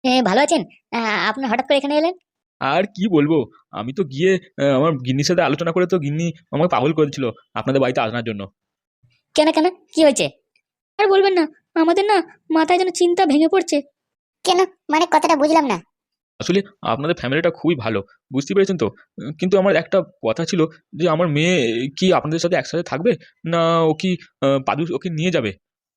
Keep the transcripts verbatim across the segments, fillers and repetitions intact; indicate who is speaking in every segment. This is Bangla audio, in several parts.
Speaker 1: এ, ভালো আছেন? আ, আপনি হঠাৎ করে এখানে এলেন?
Speaker 2: আর কি বলবো? আমি তো গিয়ে আহ, আমার গিন্নির সাথে আলোচনা করে তো গিন্নি আমাকে পাগল করেছিল আপনাদের বাড়িতে আসার জন্য।
Speaker 1: কেন কেন কি হয়েছে? আর বলবেন না, আমাদের না মাথায় যেন চিন্তা ভেঙে পড়ছে। কেন? মানে কথাটা বুঝলাম না।
Speaker 2: আসলে আপনাদের ফ্যামিলিটা খুবই ভালো, বুঝতে পেরেছেন তো। উম, কিন্তু আমার একটা কথা ছিল যে আমার মেয়ে কি আপনাদের সাথে একসাথে থাকবে, না ও কি আহ, পাদু ওকে নিয়ে যাবে?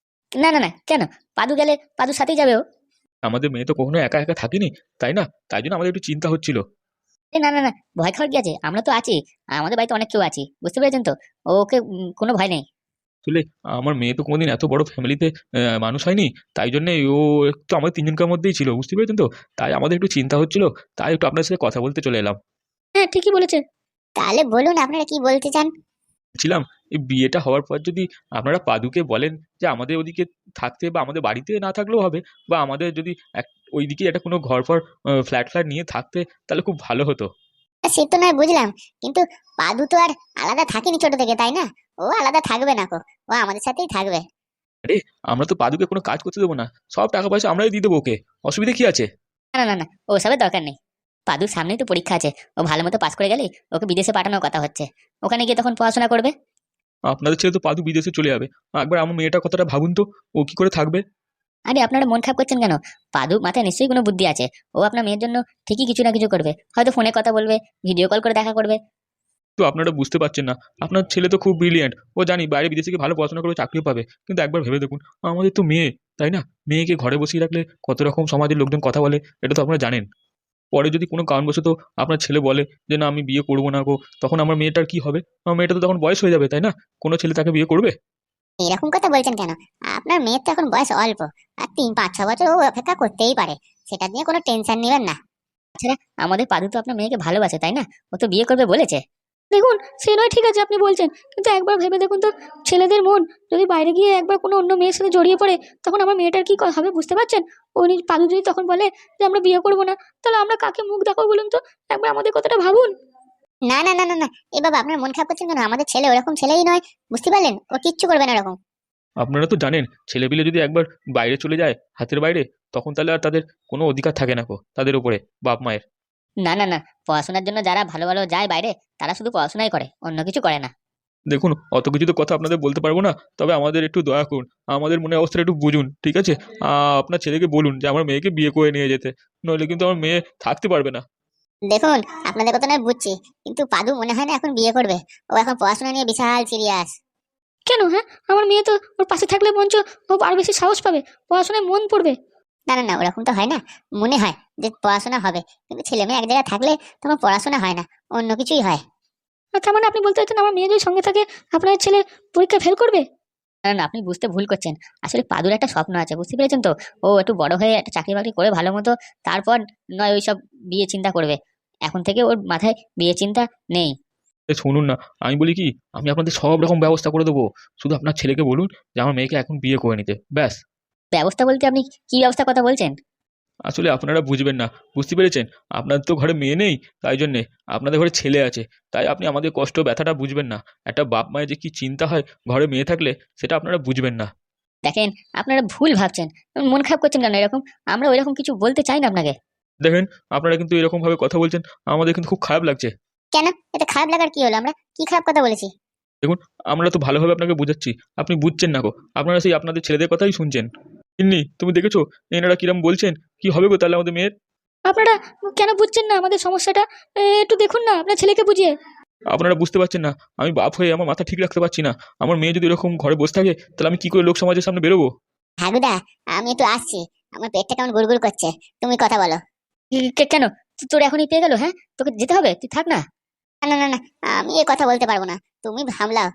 Speaker 1: না না না, কেন? পাদু গেলে পাদুর সাথেই যাবে ও।
Speaker 2: আমাদের মেয়ে তো কখনো একা একা থাকেনি, তাই না? তাই জন্য আমাদের একটু চিন্তা হচ্ছিল।
Speaker 1: এ, না না না, ভয় খাওয়ার কি আছে? আমরা তো আছি। আমাদের বাড়িতে অনেক কেউ আছি, বুঝতে পেরেছেন তো। ওকে উম, কোনো ভয় নেই।
Speaker 2: আসলে আমার মেয়ে তো কোনোদিন এত বড় ফ্যামিলিতে মানুষ হয়নি, তাই জন্য ও একটু আমাদের তিনজনকার মধ্যেই ছিল, বুঝতে পেরেছেন তো। তাই আমাদের একটু চিন্তা হচ্ছিল, তাই একটু আপনার সাথে কথা বলতে চলে এলাম।
Speaker 1: হ্যাঁ, ঠিকই বলেছে। তাহলে বলুন আপনারা কি বলতে চান।
Speaker 2: ছিলাম এই বিয়েটা হওয়ার পর যদি আপনারা পাদুকে বলেন যে আমাদের ওদিকে থাকতে, বা আমাদের বাড়িতে না থাকলেও হবে, বা আমাদের যদি এক ওইদিকে একটা কোনো ঘর ফর ফ্ল্যাট ফ্ল্যাট নিয়ে থাকতে, তাহলে খুব ভালো হতো।
Speaker 1: সে তো নয় বুঝলাম, কিন্তু পাদু তো আর আলাদা থাকেনি ছোট থেকে, তাই না? ও আলাদা থাকবে না কো, ও আমাদের সাথেই থাকবে।
Speaker 2: আরে, আমরা তো পাদুকে কোনো কাজ করতে দেবো না, সব টাকা পয়সা আমরাই দিয়ে দেবো ওকে। অসুবিধা কি আছে?
Speaker 1: না না না, ওসবের দরকার নেই। পাদুর সামনেই তো পরীক্ষা আছে। ও ভালো মতো পাস করে গেলেই ওকে বিদেশে পাঠানোর কথা হচ্ছে। ওখানে গিয়ে তখন পড়াশোনা করবে।
Speaker 2: আপনাদের ছেলে তো পাদু বিদেশে চলে যাবে, একবার আমার মেয়েটার কথাটা ভাবুন তো, ও কি করে থাকবে?
Speaker 1: আরে, আপনারা মন খারাপ করছেন কেন? পাদু মাথায় নিশ্চয়ই কোনো বুদ্ধি আছে। ও আপনার মেয়ের জন্য ঠিকই কিছু না কিছু করবে, হয়তো ফোনে কথা বলবে, ভিডিও কল করে দেখা করবে।
Speaker 2: তো আপনারা বুঝতে পারছেন না, আপনার ছেলে তো খুব ব্রিলিয়েন্ট, ও জানি বাইরে বিদেশে গিয়ে ভালো পড়াশোনা করবে, চাকরিও পাবে, কিন্তু একবার ভেবে দেখুন, আমাদের তো মেয়ে, তাই না? মেয়েকে ঘরে বসিয়ে রাখলে কত রকম সমাজের লোকজন কথা বলে, এটা তো আপনারা জানেন। পরে যদি কোনো কারণবশত আপনার ছেলে বলে যে না আমি বিয়ে করবো না গো, তখন আমার মেয়েটার কি হবে? আমার মেয়েটা তো তখন বয়স হয়ে যাবে, তাই না? কোনো ছেলে তাকে বিয়ে করবে?
Speaker 1: এরকম কথা বলছেন কেন? আপনার মেয়ের তো এখন বয়স অল্প, আর তিন পাঁচ ছ বছর ও অপেক্ষা করতেই পারে। সেটা নিয়ে কোনো টেনশন নেবেন না। তাছাড়া আমাদের পাদু তো আপনার মেয়েকে ভালোবাসে, তাই না? ও তো বিয়ে করবে বলেছে। দেখুন, সে নয় ঠিক আছে আপনি বলছেন, কিন্তু একবার ভেবে দেখুন তো, ছেলেদের মন যদি বাইরে গিয়ে একবার কোনো অন্য মেয়ের সাথে জড়িয়ে পড়ে, তখন আমার মেয়েটার কি ক- হবে বুঝতে পারছেন? ও নিজ পাদু যদি তখন বলে যে আমরা বিয়ে করবো না, তাহলে আমরা কাকে মুখ দেখাবো বলুন তো? একবার আমাদের কথাটা ভাবুন। না না না না না, এ বাবা আপনার মন খারাপ করছেন কেন? আমাদের ছেলে ওরকম ছেলেই নয়, বুঝতে পারলেন? ও কিচ্ছু করবে না ওরকম।
Speaker 2: আপনারা তো জানেন, ছেলেপিলে যদি একবার বাইরে চলে যায় হাতের বাইরে, তখন তাহলে আর তাদের কোনো অধিকার থাকে না গো তাদের উপরে, বাপ মায়ের।
Speaker 1: না না না, পড়াশোনার জন্য যারা ভালো ভালো যায় বাইরে, তারা শুধু পড়াশোনাই করে, অন্য কিছু করে না।
Speaker 2: দেখুন, অত কিছু তো কথা আপনাদের বলতে পারবো না, তবে আমাদের একটু দয়া করুন, আমাদের মনে অবস্থাটা একটু বুঝুন, ঠিক আছে? আহ, আপনার ছেলেকে বলুন যে আমার মেয়েকে বিয়ে করে নিয়ে যেতে, নইলে কিন্তু আমার মেয়ে থাকতে পারবে না।
Speaker 1: দেখুন, আপনাদের কথা নয় বুঝছি, কিন্তু পাদু মনে হয় না এখন বিয়ে করবে। ও এখন পড়াশোনা নিয়ে বিশাল সিরিয়াস। কেন? হ্যাঁ, আমার মেয়ে তো ওর পাশে থাকলে মঞ্চ ও আরো বেশি সাহস পাবে, পড়াশোনায় মন পড়বে। না না না, ওরকম তো হয় না। মনে হয় যে পড়াশোনা হবে, কিন্তু ছেলে মেয়ে এক জায়গায় থাকলে তখন পড়াশোনা হয় না, অন্য কিছুই হয়। আচ্ছা, মানে আপনি বলতে চাচ্ছেন আমার মেয়ে যদি সঙ্গে থাকে, আপনার ছেলে পরীক্ষা ফেল করবে? না না, আপনি বুঝতে ভুল করছেন। আসলে পাদুর একটা স্বপ্ন আছে, বুঝতে পেরেছেন তো। ও একটু বড় হয়ে একটা চাকরি বাকরি করে ভালো মতো, তারপর নয় ওইসব বিয়ে চিন্তা করবে। এখন থেকে ওর মাথায় বিয়ে চিন্তা নেই।
Speaker 2: এ শুনুন না, আমি বলি কি, আমি আপনাদের সব রকম ব্যবস্থা করে দেবো, শুধু আপনার ছেলেকে বলুন যে আমার মেয়েকে এখন বিয়ে করে নিতে, ব্যাস।
Speaker 1: ব্যবস্থা বলতে আপনি কি ব্যবস্থা কথা বলছেন?
Speaker 2: আসলে আপনারা বুঝবেন না, বুঝতে পেরেছেন। আপনার তো ঘরে মেয়ে নেই, তাই জন্যে আপনাদের ঘরে ছেলে আছে, তাই আপনি আমাদের কষ্ট ব্যথাটা বুঝবেন না। একটা বাপ মায়ের যে কি চিন্তা হয় ঘরে মেয়ে থাকলে, সেটা আপনারা বুঝবেন না।
Speaker 1: দেখেন, আপনারা ভুল ভাবছেন। মন খারাপ করছেন কেন এরকম? আমরা ওইরকম কিছু বলতে চাই না আপনাকে।
Speaker 2: দেখেন, আপনারা কিন্তু এরকম ভাবে কথা বলছেন, আমাদের কিন্তু খুব খারাপ লাগছে।
Speaker 1: কেন? এতে খারাপ লাগার কি হলো? আমরা কি খারাপ কথা বলেছি?
Speaker 2: দেখুন, আমরা তো ভালোভাবে আপনাকে বোঝাচ্ছি, আপনি বুঝছেন না গো, আপনারা সেই আপনাদের ছেলেদের কথাই শুনছেন। তিন্নি, তুমি দেখেছো এনারা কিরম বলছেন? কি হবে গো তাহলে আমাদের মেয়ের?
Speaker 1: আপনারা কেন বুঝছেন না আমাদের সমস্যাটা? এ, একটু দেখুন না আপনার ছেলেকে বুঝিয়ে।
Speaker 2: আপনারা বুঝতে পারছেন না, আমি বাপ হয়ে আমার মাথা ঠিক রাখতে পারছি না। আমার মেয়ে যদি এরকম ঘরে বসে থাকে, তাহলে আমি কি করে লোক সমাজের সামনে বেরোবো?
Speaker 1: হাগুদা, আমি একটু আসছি। আমার পেটটা কেমন গুড়গুড় করছে। তুমি কথা বলো। কে- কেন? তো- তোর এখনই পেয়ে গেল? হ্যাঁ, তোকে যেতে হবে, তুই থাক না। না না না না, আমি এ কথা বলতে পারবো না। তুমি সামলাও।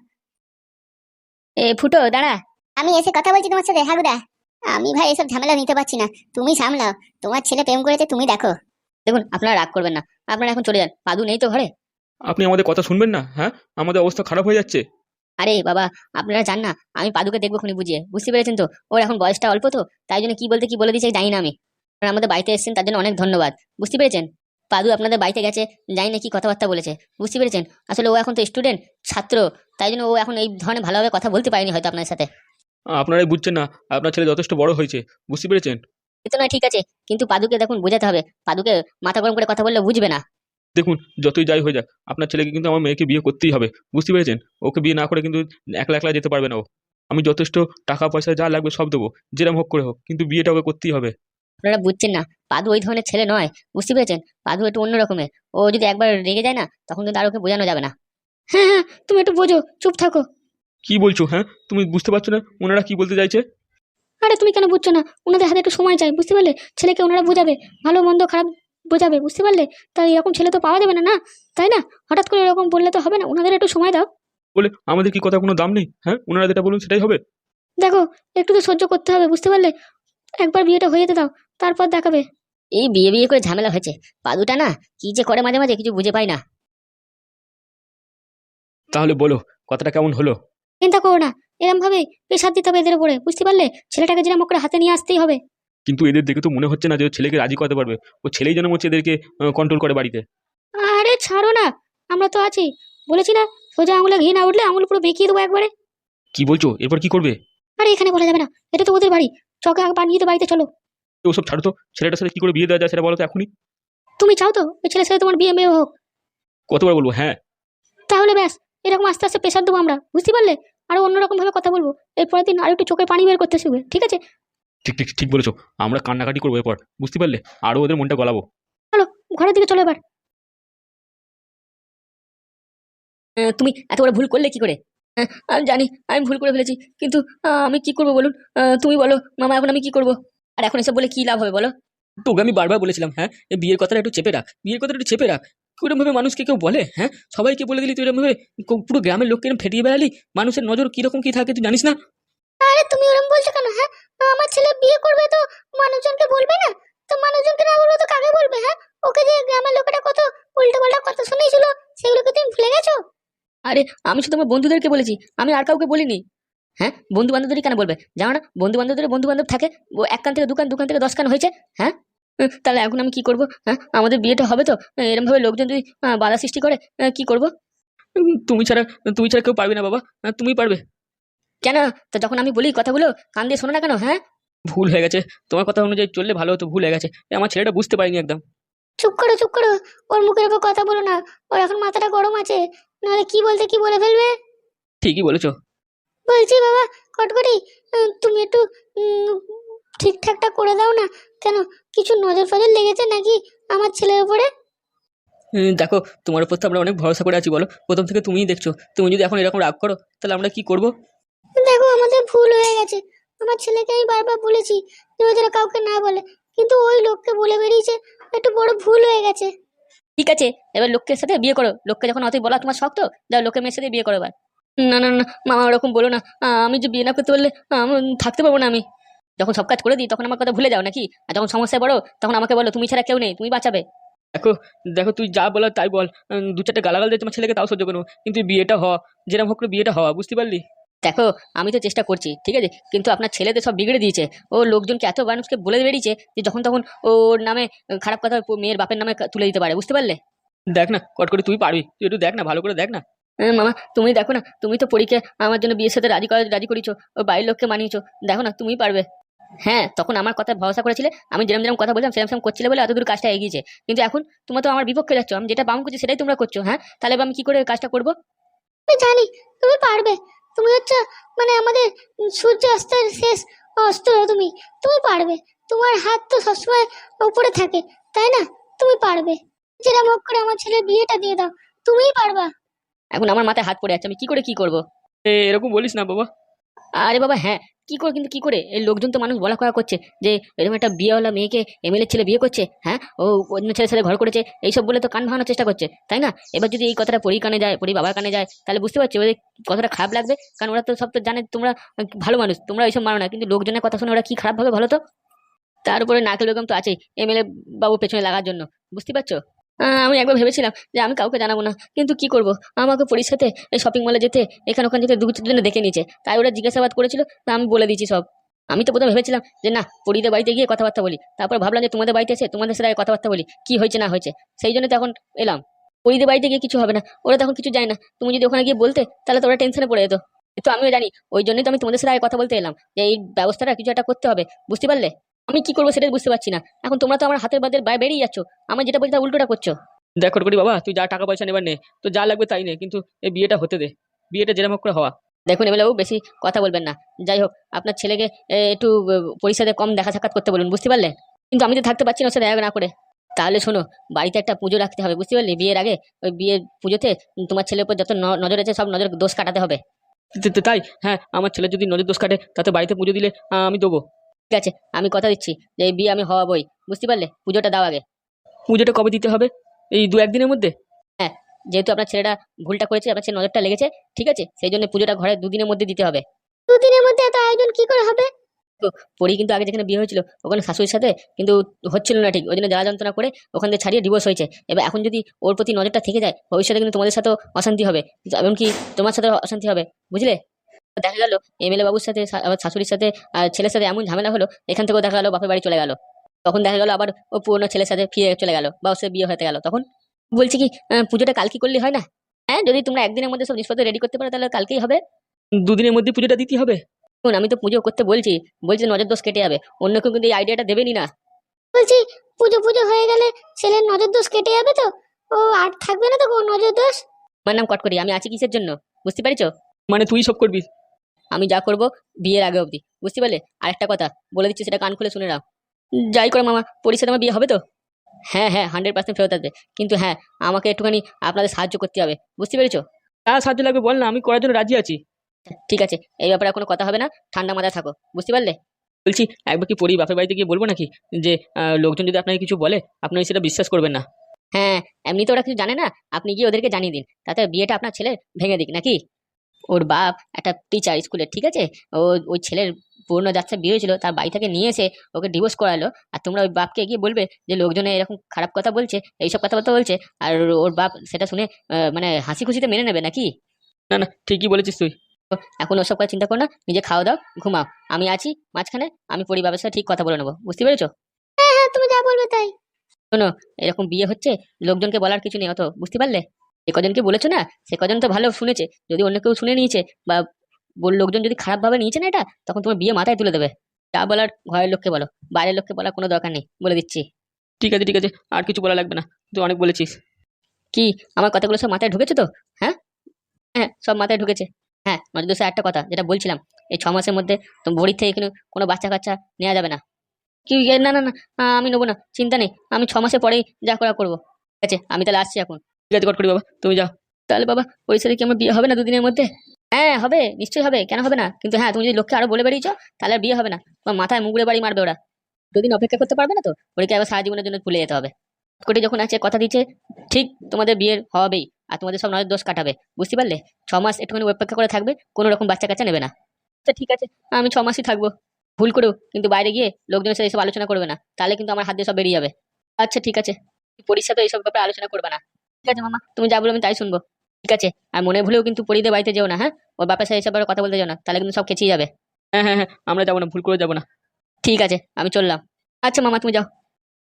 Speaker 1: এ ফুটো, দাঁড়া। আমি এসে কথা বলছি তোমার সাথে, হাগুদা। আমি ভাই এসব ঝামেলা নিতে পারছি না, তুমি সামলাও। তোমার ছেলে প্রেম করেছে, তুমি দেখো। দেখুন, আপনারা রাগ করবেন না। আপনারা এখন চলে যান, পাদু নেই তো ঘরে।
Speaker 2: আপনি আমাদের কথা শুনবেন না? হ্যাঁ, আমাদের অবস্থা খারাপ হয়ে যাচ্ছে।
Speaker 1: আরে বাবা, আপনারা জান না, আমি পাদুকে দেখবো খুনি বুঝিয়ে, বুঝতে পেরেছেন তো। ওর এখন বয়সটা অল্প তো, তাই জন্য কি বলতে কি বলে দিয়েছে জানি না আমি। আপনারা আমাদের বাড়িতে এসেছেন, তার জন্য অনেক ধন্যবাদ, বুঝতে পেরেছেন। পাদু আপনাদের বাড়িতে গেছে, জানি না কি কথাবার্তা বলেছে, বুঝতে পেরেছেন। আসলে ও এখন তো স্টুডেন্ট, ছাত্র, তাই জন্য ও এখন এই ধরনের ভালোভাবে কথা বলতে পারেনি হয়তো আপনার সাথে।
Speaker 2: আপনারাই বুঝছেন না, আপনার ছেলে যথেষ্ট বড় হয়েছে, বুঝতে পেরেছেন।
Speaker 1: এ তো নয় ঠিক আছে, কিন্তু পাদুকে দেখুন বোঝাতে হবে, পাদুকে মাথা গরম করে কথা বললে বুঝবে না।
Speaker 2: দেখুন, যতই যাই হয়ে যাক আপনার ছেলেকে কিন্তু আমার মেয়েকে বিয়ে করতেই হবে, বুঝতে পেরেছেন? ওকে বিয়ে না করে কিন্তু একলা একলা যেতে পারবে না ও। আমি যথেষ্ট টাকা পয়সা যা লাগবে সব দেবো, যেরকম হোক করে হোক, কিন্তু বিয়েটা ওকে করতেই হবে।
Speaker 1: আপনারা বুঝছেন না, পাদু ওই ধরনের ছেলে নয়, বুঝতে পেরেছেন? পাদু একটু অন্য রকমের। ও যদি একবার রেগে যায় না, তখন কিন্তু আর ওকে বোঝানো যাবে না। হ্যাঁ হ্যাঁ, তুমি একটু বোঝো, চুপ থাকো।
Speaker 2: কি বলছো? হ্যাঁ, তুমি বুঝতে পারছো না ওনারা কি বলতে চাইছে?
Speaker 1: আরে তুমি কেন বুঝছো না? ওনাদের হাতে একটু সময় চাই, বুঝতে পারলে? ছেলেকে ওনারা বোঝাবে, ভালো মন্দ খারাপ বোঝাবে, বুঝতে পারলে? তাই এরকম ছেলে তো পাওয়া যাবে না, না? তাই না? হঠাৎ করে এরকম বললে তো হবে না, ওনাদের একটু সময় দাও।
Speaker 2: বলে আমাদের কি কথা কোনো দাম নেই? হ্যাঁ, ওনারা যেটা বলুন সেটাই হবে।
Speaker 1: দেখো, একটু তো সহ্য করতে হবে, বুঝতে পারলে? একবার বিয়েটা হয়ে যেতে দাও, তারপর দেখাবে। এই বিয়ে বিয়ে করে ঝামেলা হয়েছে, পাদুটা না কি যে করে মাঝে মাঝে কিছু বুঝে পাই না।
Speaker 2: তাহলে বলো, কথাটা কেমন হলো?
Speaker 1: চিন্তা করো না, এরম ভাবে প্রেশার দিতে হবে এদের উপরে, বুঝতে পারলে? ছেলেটাকে যেরকম করে হাতে নিয়ে আসতেই হবে।
Speaker 2: কিন্তু এদের দেখে তো মনে হচ্ছে না যে ও ছেলেকে রাজি করাতে পারবে। ও ছেলেই যেন হচ্ছে এদেরকে কন্ট্রোল করে বাড়িতে।
Speaker 1: আরে ছাড়ো না, আমরা তো আছি। বলেছি না, সোজা আঙুলে ঘি না উঠলে আঙুল পুরো বেঁকিয়ে দেবো একবারে।
Speaker 2: কি বলছো? এরপর কি করবে?
Speaker 1: আরে এখানে বলা যাবে না, এটা তো ওদের বাড়ি। চকে বানিয়ে তো বাড়িতে চলো।
Speaker 2: তো ওসব ছাড়ো তো, ছেলেটার সাথে কি করে বিয়ে দেওয়া যায় সেটা বলো তো এখনই।
Speaker 1: তুমি চাও তো ওই ছেলের সাথে তোমার বিয়ে মেয়ে হোক?
Speaker 2: কতবার বলবো হ্যাঁ?
Speaker 1: তাহলে ব্যাস, এরকম আস্তে আস্তে প্রেশার দেবো আমরা, বুঝতে পারলে? আরো অন্যরকম ভাবে কথা বলবো। এরপরের দিন আর একটু চোখের পানি বের করতে শিখবে, ঠিক আছে?
Speaker 2: ঠিক ঠিক ঠিক বলেছো। আমরা কান্নাকাটি করবো এরপর, বুঝতে পারলে? আরো ওদের মনটা গলাবো।
Speaker 1: চলো, ঘরের দিকে চলো এবার। আহ, তুমি এত বড় ভুল করলে কি করে? আহ, আমি জানি আমি ভুল করে ফেলেছি, কিন্তু আহ, আমি কি করবো বলুন? আহ, তুমি বলো মামা, এখন আমি কি করবো? আর এখন এসব বলে কি লাভ হবে বলো?
Speaker 3: তোকে আমি বারবার বলেছিলাম, হ্যাঁ, এই বিয়ের কথাটা একটু চেপে রাখ, বিয়ের কথাটা একটু চেপে রাখ। কিরম ভাবে মানুষকে কেউ বলে, হ্যাঁ? সবাইকে বলে দিলি তুই এরকম ভাবে, কো- পুরো গ্রামের লোককে এরম ফেটিয়ে বেড়ালি। মানুষের নজর কিরকম কি থাকে তুই জানিস না?
Speaker 1: আরে তুমি ওরকম বলছো কেন? হ্যাঁ, আমার ছেলে বিয়ে করবে তো মানুষজনকে বলবে না? তো মানুষজনকে না বলবে তো কাকে বলবে? হ্যাঁ, ওকে যে গ্রামের লোকেরা কত উল্টো পাল্টা কথা শুনেছিল, সেগুলোকে তুমি ভুলে গেছো? আরে আমি শুধু আমার বন্ধুদেরকে বলেছি, আমি আর কাউকে বলিনি। হ্যাঁ, বন্ধু বান্ধবদেরই কেন বলবে? জানো না বন্ধু বান্ধবদের বন্ধু বান্ধব থাকে, ও এক কান থেকে দোকান, দোকান থেকে দশ কান হয়েছে। হ্যাঁ, উম, তাহলে এখন আমি কি করব? হ্যাঁ, আমাদের বিয়েটা হবে তো, এরকম ভাবে লোকজন যদি আহ, বাধা সৃষ্টি করে, আহ, কি করব?
Speaker 3: উম, তুমি ছাড়া তুমি ছাড়া কেউ পারবে না বাবা, হ্যাঁ, তুমিই পারবে।
Speaker 1: কেন? তো যখন আমি বলি কথাগুলো কান দিয়ে শোনো না কেন? হ্যাঁ,
Speaker 3: ভুল হয়ে গেছে, তোমার কথা অনুযায়ী চললে ভালো হতো, ভুল হয়ে গেছে। এ, আমার ছেলেটা বুঝতে পারিনি একদম।
Speaker 1: চুপ করো, চুপ করো। ওর মুখের উপর কথা বলো না, ওর এখন মাথাটা গরম আছে, নাহলে কি বলতে কি বলে ফেলবে।
Speaker 3: ঠিকই বলেছো।
Speaker 1: বলছি বাবা কটকটি, উম, তুমি একটু উম, ঠিকঠাকটা করে দাও না। কেন, কিছু নজর ফজর লেগেছে নাকি আমার ছেলের উপরে?
Speaker 3: উম, দেখো, তোমার উপর তো আমরা অনেক ভরসা করে আছি, বলো, প্রথম থেকে তুমিই দেখছো। তুমি যদি এখন এরকম রাগ করো তাহলে আমরা কি করব?
Speaker 1: দেখো, আমাদের ভুল হয়ে গেছে। আমার ছেলেকে আমি বারবার বলেছি যে ও যেন কাউকে না বলে, কিন্তু ওই লোককে বলে বেরিয়েছে। একটু বড় ভুল হয়ে গেছে। ঠিক আছে, এবার লোকের সাথে বিয়ে করো। লোককে যখন অতই বলা তোমার শক্ত, যাও লোকের মেয়ের সাথে বিয়ে করো এবার। না না না মামা, ওরকম বলো না। আহ, আমি যে বিয়ে না করতে পারলে আহ, আমি থাকতে পারবো না আমি। যখন সব কাজ করে দিই তখন আমার কথা ভুলে যাও নাকি? আর যখন সমস্যায় বড় তখন আমাকে বলো, তুমি ছাড়া কেউ নেই, তুমি বাঁচাবে।
Speaker 3: দেখো, দেখো তুই যা বলার তাই বল। উম, দু চারটে গালাগাল দিয়ে তোমার ছেলেকে তাও সহ্য করবো, কিন্তু বিয়েটা হওয়া, যেরকম হোক করে বিয়েটা হওয়া, বুঝতে পারলি?
Speaker 1: দেখো, আমি তো চেষ্টা করছি, ঠিক আছে, কিন্তু আপনার ছেলে তো সব বিগড়ে দিয়েছে। ও লোকজনকে এত মানুষকে বলে বেরিয়েছে যে যখন তখন ওর নামে খারাপ কথা ওর মেয়ের বাপের নামে তুলে দিতে পারে, বুঝতে পারলে?
Speaker 3: দেখ না, কট করে তুই পারবি, তুই একটু দেখ না, ভালো করে দেখ না।
Speaker 1: হ্যাঁ, মামা তুমি দেখো না, তুমি তো পরীকে আমার জন্য বিয়ের সাথে রাজি করা রাজি করিয়েছো, ও বাড়ির লোককে মানিয়েছো। দেখো না, তুমিই পারবে। হ্যাঁ, তখন আমার কথা ভরসা করেছিলে, আমি যেরকম যেরকম কথা বললাম সেরকম সেরকম করছিলে বলে এতদূর কাজটা এগিয়েছে। কিন্তু এখন তোমরা তো আমার বিপক্ষে যাচ্ছ, আমি যেটা বাম করছি সেটাই তোমরা করছো। হ্যাঁ, তাহলে এবার আমি কি করে কাজটা করবো? আমি জানি তুমি পারবে। তুমি হচ্ছে মানে আমাদের সূর্যাস্তের শেষ অস্ত্র। তুমি তুমি পারবে। তোমার হাত তো সবসময় উপরে থাকে, তাই না? তুমি পারবে। যেরকম হোক করে আমার ছেলের বিয়েটা দিয়ে দাও, তুমিই পারবা। এখন আমার মাথায় হাত পড়ে আছে, আমি কি করে কি করব?
Speaker 3: এ, এরকম বলিস না বাবা।
Speaker 1: আরে বাবা হ্যাঁ, কি করে, কিন্তু কি করে? এই লোকজন তো মানুষ বলা কয়া করছে যে এরকম একটা বিয়েওয়ালা মেয়েকে এমএলএ ছেলে বিয়ে করছে। হ্যাঁ, ও অন্য ছেলের সাথে ঘর করেছে, এইসব বলে তো কান ভাঙানোর চেষ্টা করছে, তাই না? এবার যদি এই কথাটা পরি কানে যায়, পরি বাবার কানে যায়, তাহলে বুঝতে পারছি ওদের কথাটা খারাপ লাগবে। কারণ ওরা তো সব তো জানে তোমরা ভালো মানুষ, তোমরা এইসব মানো না, কিন্তু লোকজনের কথা শুনে ওরা কি খারাপ ভাবে ভালো তো। তার উপরে নারকেল বেগম তো আছেই এমএলএ বাবু পেছনে লাগার জন্য, বুঝতে পারছো? আহ, আমি একবার ভেবেছিলাম যে আমি কাউকে জানাবো না, কিন্তু কি করব, আমাকে পরির সাথে এই শপিং মলে যেতে, এখানে ওখানে যেতে দু জনে দেখে নিয়েছে, তাই ওরা জিজ্ঞাসাবাদ করেছিল, তা আমি বলে দিয়েছি সব। আমি তো প্রথমে ভেবেছিলাম যে না, পরিদের বাড়িতে গিয়ে কথাবার্তা বলি, তারপর ভাবলাম যে তোমাদের বাড়িতে এসে তোমাদের সাথে আগে কথাবার্তা বলি, কি হয়েছে না হয়েছে। সেই জন্য তো এখন এলাম। পরিদের বাড়িতে গিয়ে কিছু হবে না, ওরা তখন কিছু যায় না। তুমি যদি ওখানে গিয়ে বলতে তাহলে তো ওরা টেনশনে পড়ে যেত। তো আমিও জানি, ওই জন্যই তো আমি তোমাদের সাথে আগে কথা বলতে এলাম যে এই ব্যবস্থাটা কিছু একটা করতে হবে, বুঝতে পারলে? আমি কি করবো সেটাই বুঝতে পারছি না। এখন তোমরা তো আমার হাতের বাদের বাইরে বেরিয়ে যাচ্ছ, আমার যেটা বলছি তার উল্টোটা করছো।
Speaker 3: দেখ করি বাবা, তুই যা টাকা পয়সা নেবার নে, তো যা লাগবে তাই নে, কিন্তু এই বিয়েটা হতে দে, বিয়েটা যেরকম হোক করে হওয়া।
Speaker 1: দেখুন এমএলএ বাবু, বেশি কথা বলবেন না। যাই হোক, আপনার ছেলেকে এ, একটু আহ, পরিষদে কম দেখা সাক্ষাৎ করতে বলুন, বুঝতে পারলে? কিন্তু আমি তো থাকতে পারছি না ওর সাথে দেখা না করে। তাহলে শোনো, বাড়িতে একটা পুজো রাখতে হবে, বুঝতে পারলি? বিয়ের আগে ওই বিয়ের পুজোতে তোমার ছেলের উপর যত ন- নজর আছে সব নজর দোষ কাটাতে হবে।
Speaker 3: তে- তে- তাই হ্যাঁ, আমার ছেলে যদি নজর দোষ কাটে তাতে বাড়িতে পুজো দিলে আহ, আমি দেবো।
Speaker 1: ঠিক আছে, আমি কথা দিচ্ছি যে এই বিয়ে আমি হওয়াবই, বুঝতে পারলে? পুজোটা দাও আগে।
Speaker 3: পুজোটা কবে দিতে হবে? এই দু একদিনের মধ্যে?
Speaker 1: হ্যাঁ, যেহেতু আপনার ছেলেটা ভুলটা করেছে, আপনার ছেলে নজরটা লেগেছে, ঠিক আছে, সেই জন্য পুজোটা ঘরে দুদিনের মধ্যে দিতে হবে। দুদিনের মধ্যে এত আয়োজন কি করে হবে? তো পরি কিন্তু আগে যেখানে বিয়ে হয়েছিল ওখানে শাশুড়ির সাথে কিন্তু হচ্ছিল না ঠিক, ওই জন্য জ্বালা যন্ত্রণা করে ওখান থেকে ছাড়িয়ে ডিভোর্স হয়েছে। এবার এখন যদি ওর প্রতি নজরটা থেকে যায়, ভবিষ্যতে কিন্তু তোমাদের সাথেও অশান্তি হবে, এমনকি তোমার সাথে অশান্তি হবে, বুঝলে? দেখা গেল এমএলএ বাবুর সাথে শা- আবার শাশুড়ির সাথে আর ছেলের সাথে এমন ঝামেলা হলো, এখান থেকেও দেখা গেল বাপের বাড়ি চলে গেল। তখন দেখা গেল আবার ও পুরনো ছেলের সাথে ফিরে চলে গেল, বা ওর সাথে বিয়ে হতে গেল। তখন বলছি কি, আহ, পুজোটা কালকে করলে হয় না? হ্যাঁ, যদি তোমরা একদিনের মধ্যে সব জিনিসপত্র রেডি করতে পারো তাহলে কালকেই হবে।
Speaker 3: দুদিনের মধ্যে পুজোটা দিতে হবে?
Speaker 1: শুন, আমি তো পুজো করতে বলছি, বলছি নজর দোষ কেটে যাবে, অন্য কেউ কিন্তু এই আইডিয়াটা দেবেনি না। বলছি পুজো পুজো হয়ে গেলে ছেলের নজর দোষ কেটে যাবে তো? ও আর থাকবে না তো কোনো নজর দোষ? আমার নাম কটকরি, আমি আছি কিসের জন্য, বুঝতে পারিছো?
Speaker 3: মানে তুই সব করবি?
Speaker 1: আমি যা করব বিয়ের আগে অবধি, বুঝতে পারলে? আরেকটা কথা বলে দিচ্ছি, সেটা কান খুলে শুনে নাও। যাই করে মামা, পরিষদ আমার বিয়ে হবে তো? হ্যাঁ হ্যাঁ, হান্ড্রেড পার্সেন্ট ফেরত আসবে, কিন্তু হ্যাঁ, আমাকে একটুখানি আপনাদের সাহায্য করতে হবে, বুঝতে পেরেছো?
Speaker 3: যা সাহায্য লাগবে বল না, আমি করার জন্য রাজি আছি।
Speaker 1: ঠিক আছে, এই ব্যাপারে আর কোনো কথা হবে না, ঠান্ডা মাথায় থাকো, বুঝতে পারলে?
Speaker 3: বলছি, একবার কি পরি বাপের বাড়িতে গিয়ে বলবো নাকি যে আহ, লোকজন যদি আপনাকে কিছু বলে আপনি সেটা বিশ্বাস করবেন না?
Speaker 1: হ্যাঁ, এমনি তো ওরা কিছু জানে না, আপনি গিয়ে ওদেরকে জানিয়ে দিন, তাতে বিয়েটা আপনার ছেলে ভেঙে দিক নাকি। ওর বাপ একটা টিচার স্কুলের, ঠিক আছে? ও ওই ছেলের পুরনো যাচ্ছে বিয়ে হয়েছিল, তার বাড়ি থেকে নিয়ে এসে ওকে ডিভোর্স করালো, আর তোমরা ওই বাপকে গিয়ে বলবে যে লোকজনে এরকম খারাপ কথা বলছে, এইসব কথাবার্তা বলছে, আর ওর বাপ সেটা শুনে আহ, মানে হাসি খুশিতে মেনে নেবে নাকি?
Speaker 3: না না, ঠিকই বলেছিস তুই।
Speaker 1: এখন ওসব কথা চিন্তা করো না, নিজে খাওয়া দাও, ঘুমাও, আমি আছি মাঝখানে, আমি পরিবারের সাথে ঠিক কথা বলে নেবো, বুঝতে পেরেছো? হ্যাঁ হ্যাঁ, তুমি যা বলবে তাই। শোনো, এরকম বিয়ে হচ্ছে, লোকজনকে বলার কিছু নেই অত, বুঝতে পারলে? যে কজনকে বলেছো না, সে কজন তো ভালো শুনেছে, যদি অন্য কেউ শুনে নিয়েছে বা বল লোকজন যদি খারাপ ভাবে নিয়েছে না এটা, তখন তোমার বিয়ে মাথায় তুলে দেবে। যা বলার ঘরের লোককে বলো, বাইরের লোককে বলার কোনো দরকার নেই, বলে দিচ্ছি।
Speaker 3: ঠিক আছে ঠিক আছে, আর কিছু বলা লাগবে না, তুই অনেক বলেছিস।
Speaker 1: কি, আমার কথাগুলো সব মাথায় ঢুকেছে তো? হ্যাঁ হ্যাঁ, সব মাথায় ঢুকেছে। হ্যাঁ, নজর দোষে একটা কথা যেটা বলছিলাম, এই ছ মাসের মধ্যে তো বড়ির থেকে কিন্তু কোনো বাচ্চা কাচ্চা নেওয়া যাবে না। কি এ, না না না, আ, আমি নেবো না, চিন্তা নেই, আমি ছ মাসে পরেই যা করা করবো। ঠিক আছে, আমি তাহলে আসছি এখন।
Speaker 3: ঠিক আছে করি বাবা, তুমি যাও।
Speaker 1: তাহলে বাবা, ওই সাথে কি আমার বিয়ে হবে না দুদিনের মধ্যে? হ্যাঁ হবে, নিশ্চয়ই হবে, কেন হবে না? কিন্তু হ্যাঁ, তুমি যদি লোককে আরো বলে বেরিয়েছো তাহলে আর বিয়ে হবে না, তোমার মাথায় মুগুড়ে বাড়ি মারবে ওরা। দুদিন অপেক্ষা করতে পারবে না তো, ওদেরকে আবার সারা জীবনের জন্য ভুলে যেতে হবে। কোটি যখন আছে কথা দিচ্ছে, ঠিক তোমাদের বিয়ের হবেই, আর তোমাদের সব নজর দোষ কাটাবে, বুঝতে পারলে? ছ মাস একটুখানি অপেক্ষা করে থাকবে, কোনো রকম বাচ্চা কাচ্চা নেবে না। আচ্ছা ঠিক আছে, আমি ছ মাসই থাকবো। ভুল করেও কিন্তু বাইরে গিয়ে লোকজনের সাথে এসব আলোচনা করবে না, তাহলে কিন্তু আমার হাত দিয়ে সব বেরিয়ে যাবে। আচ্ছা ঠিক আছে, পরীর সাথে এইসব ব্যাপারে আলোচনা করবে না। ঠিক আছে মামা, তুমি যা বলো আমি তাই শুনবো। ঠিক আছে, আর মনে ভুলেও কিন্তু পরিদের বাড়িতে যেও না, হ্যাঁ? ওর বাপের সাথে এসব ব্যাপারে কথা বলতে যেও না, তাহলে কিন্তু সব খেঁচিয়ে যাবে।
Speaker 3: হ্যাঁ হ্যাঁ হ্যাঁ, আমরা যাবো না, ভুল করে যাবো না।
Speaker 1: ঠিক আছে, আমি চললাম। আচ্ছা মামা, তুমি যাও।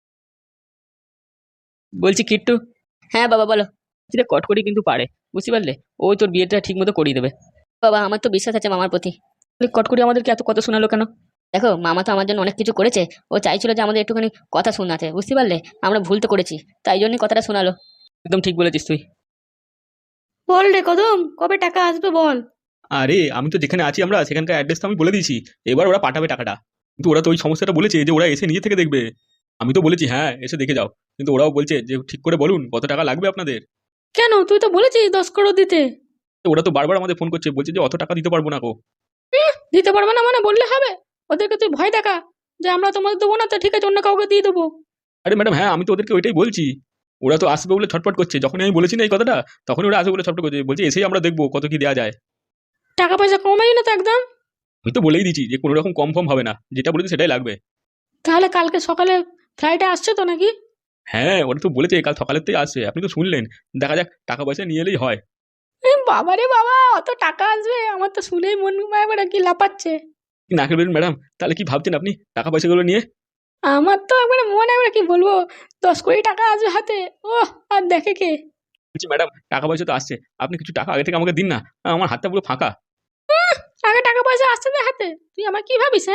Speaker 3: বলছি কিট্টু,
Speaker 1: হ্যাঁ বাবা বলো।
Speaker 3: সেটা কটকরি কিন্তু পারে, বুঝতে পারলে? ওই তোর বিয়েটা ঠিক মতো করিয়ে দেবে।
Speaker 1: বাবা, আমার তো বিশ্বাস আছে মামার প্রতি।
Speaker 3: কটকরি আমাদেরকে এত কথা শোনালো কেন?
Speaker 1: দেখো, মামা তো আমার জন্য অনেক কিছু করেছে, ও চাইছিল যে আমাদের একটুখানি কথা শোনাতে, বুঝতে পারলে? আমরা ভুল তো করেছি, তাই জন্যই কথাটা শোনালো।
Speaker 3: একদম ঠিক বলেছিস তুই।
Speaker 4: বল রে কদম, কবে টাকা আসবে বল?
Speaker 2: আরে আমি তো যেখানে আছি আমরা সেখানকার অ্যাড্রেস তো আমি বলে দিয়েছি, এবার ওরা পাঠাবে টাকাটা। কিন্তু ওরা তো ওই সমস্যাটা বলেছে যে ওরা এসে নিজে থেকে দেখবে। আমি তো বলেছি হ্যাঁ এসে দেখে যাও, কিন্তু ওরাও বলছে যে ঠিক করে বলুন কত টাকা লাগবে আপনাদের।
Speaker 4: কেন, তুই তো বলেছিস দশ করোড় দিতে।
Speaker 2: তো ওরা তো বারবার আমাদের ফোন করছে, বলছে যে অত টাকা দিতে পারবো না গো।
Speaker 4: দিতে পারবে না মানে বললে হবে? ওদেরকে তুই ভয় দেখা যে আমরা তোমাদের দেবো না, তো ঠিক আছে, অন্য কাউকে দিয়ে দেবো।
Speaker 2: আরে ম্যাডাম হ্যাঁ, আমি তো ওদেরকে ওইটাই বলছি। ওরা তো আসবে বলে ছটফট করছে, যখনই আমি বলেছি না এই কথাটা, তখন ওরা আসবে বলে ছটফট করছে, বলছে এসেই আমরা দেখবো কত কি দেওয়া যায়।
Speaker 4: টাকা পয়সা কমাই না তো একদম।
Speaker 2: আমি তো বলেই দিচ্ছি যে কোনো রকম কম ফর্ম হবে না, যেটা বলেছি সেটাই লাগবে।
Speaker 4: তাহলে কালকে সকালে ফ্লাইটে আসছে তো নাকি?
Speaker 2: হ্যাঁ ওরা তো বলেছে কাল সকালের থেকে আসবে, আপনি তো শুনলেন। দেখা যাক, টাকা পয়সা নিয়ে এলেই হয়।
Speaker 4: এ বাবা রে বাবা, অত টাকা আসবে? আমার তো শুনেই মন একবারে কি লাপাচ্ছে।
Speaker 2: কি না করবেন ম্যাডাম, তাহলে কি ভাবছেন আপনি টাকা পয়সাগুলো নিয়ে?
Speaker 4: আমার তো একবারে মন একবারে কি বলবো, দশ কোটি টাকা আসবে হাতে। ও, আর দেখে কে?
Speaker 2: বলছি ম্যাডাম টাকা পয়সা তো আসছে, আপনি কিছু টাকা আগে থেকে আমাকে দিন না, আমার হাতটা পুরো ফাঁকা।
Speaker 4: আগে টাকা পয়সা আসছে না হাতে, তুই আমার কি ভাবিস? হ্যাঁ,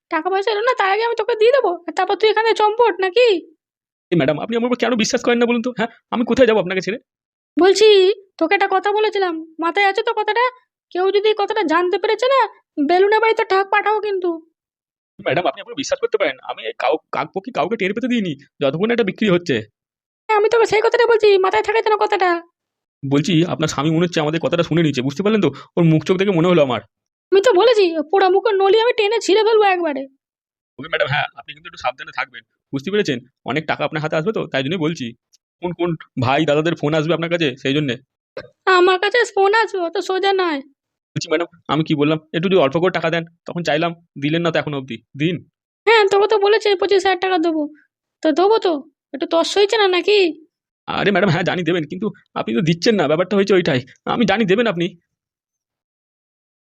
Speaker 4: টাকা পয়সা এলো না তার আগে আমি তোকে দিয়ে দেবো, আর তারপর তুই এখানে চম্পট নাকি?
Speaker 2: এই ম্যাডাম, আপনি আমার উপর কেন বিশ্বাস করেন না বলুন তো? হ্যাঁ, আমি কোথায় যাবো আপনাকে ছেড়ে?
Speaker 4: বলছি তোকে একটা কথা বলেছিলাম, মাথায় আছে তো কথাটা? কেউ যদি এই কথাটা জানতে পেরেছে না, বেলুনের বাড়িতে টাক পাঠাও কিন্তু।
Speaker 2: ম্যাডাম, আপনি আমার বিশ্বাস করতে পারেন, আমি এই কাউ কাকপক্ষী কাউকে টের পেতে দিইনি যতক্ষণ না এটা বিক্রি হচ্ছে।
Speaker 4: হ্যাঁ, আমি তোকে সেই কথাটা বলছি, মাথায় থাকে যেন কথাটা।
Speaker 2: বলছি, আপনার স্বামী মনে হচ্ছে আমাদের কথাটা শুনে নিচ্ছে, বুঝতে পারলেন তো? ওর মুখ চোখ দেখে মনে হলো আমার।
Speaker 4: আমি তো বলেছি পোড়া মুখের নলি আমি টেনে ছিঁড়ে ফেলবো একবারে।
Speaker 2: ওকে ম্যাডাম, হ্যাঁ আপনি কিন্তু একটু সাবধানে থাকবেন, বুঝতে পেরেছেন? অনেক টাকা আপনার হাতে আসবে তো, তাই জন্যই বলছি। কোন কোন ভাই দাদাদের ফোন আসবে আপনার কাছে, সেই জন্যে
Speaker 4: আমার কাছে ফোন আসবে, অত সোজা নয়।
Speaker 2: বলছি। ম্যাডাম, আমি কি বললাম, একটু যদি অল্প করে টাকা দেন, তখন চাইলাম, দিলেন না তো এখনো অবধি, দিন।
Speaker 4: হ্যাঁ, তোকে তো বলেছে পঁচিশ হাজার টাকা দেবো, তো দেবো তো। একটু তস হয়েছে না নাকি?
Speaker 2: আরে ম্যাডাম, হ্যাঁ জানি দেবেন, কিন্তু আপনি তো দিচ্ছেন না, ব্যাপারটা হয়েছে ওইটাই। আমি জানি দেবেন আপনি।